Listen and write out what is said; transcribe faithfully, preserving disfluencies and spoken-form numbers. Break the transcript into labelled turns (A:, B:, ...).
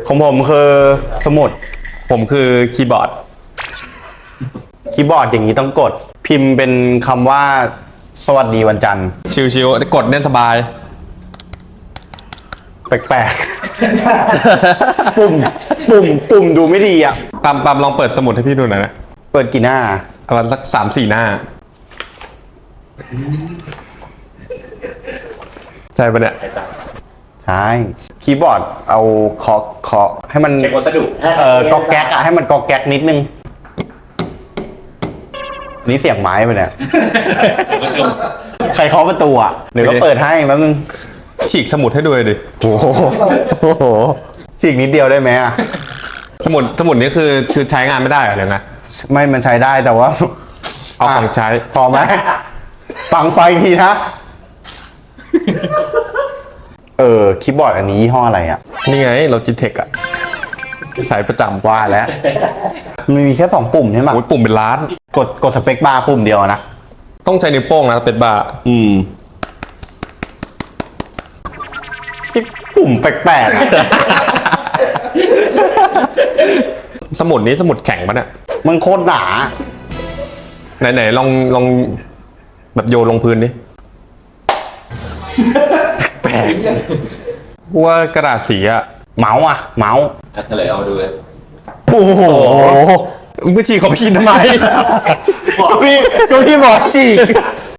A: ของผมคือสมุด
B: ผมคือคีย์บอร์ด
A: คีย์บอร์ดอย่างนี้ต้องกด พิมพ์เป็นคำว่าสวัสดีวันจันทร์
B: ชิวๆกดเล่นสบาย
A: แปลกๆ ปุ่มปุ่มปุ่มดูไม่ดีอ่ะ
B: ปั๊มปั๊มลองเปิดสมุดให้พี่ดูหน่อยนะ
A: เปิดกี่หน้า
B: ประมาณสักสามสี่หน้า ใช่ปะเนี่ย
A: ใช่ คีย์บอร์ดเอาเคาะเคาะให้มัน
C: เช็ควัสดุ
A: เออกอกแก๊กอะให้มันกอกแก๊กนิดนึง นี่เสียงไม้ไปเนี่ย ใครเคาะประตูอ่ะเดี๋ยวก็เปิดให้แป๊บนึง
B: ฉีกสมุดให้ดูเลยดิ
A: โอ้โหโอ้โหฉีกนิดเดียวได้ไหมอ่ะ
B: สมุดสมุดนี้คือคือใช้งานไม่ได้เหรอหรือไง
A: ไม่มันใช้ได้แต่ว่า
B: เอาของใช้
A: พอไหมฟังไฟอีกทีนะ เออคีย์บอร์ดอันนี้ยี่ห้ออะไรอ่ะ
B: นี่ไงเราจิเทคอะใช้ประจำ
A: ว่าแล้วมันมีแค่สองปุ่มใช่ไหม
B: โอ้ยปุ่มเป็นล้าน
A: กดกดสเปคบาร์ปุ่มเดียวนะ
B: ต้องใช้นิ้วโป้งนะเป็นบาร์
A: อืมปุ่มแปลกๆอะ
B: สมุดนี้สมุดแข็งปะเนี่ย
A: มันโคตรหนา
B: ไหนๆลองลองแบบโยนลงพื้นดิ
A: แปลก
B: ว่ากระดาษสีอะ
A: เมาส์อะเมาส์
C: ก็เลยเอาดูเลย
A: โอ้โห
B: มึงไปฉีกของพี่ทำไม
A: ก็พี่ก็พี่บอกจีก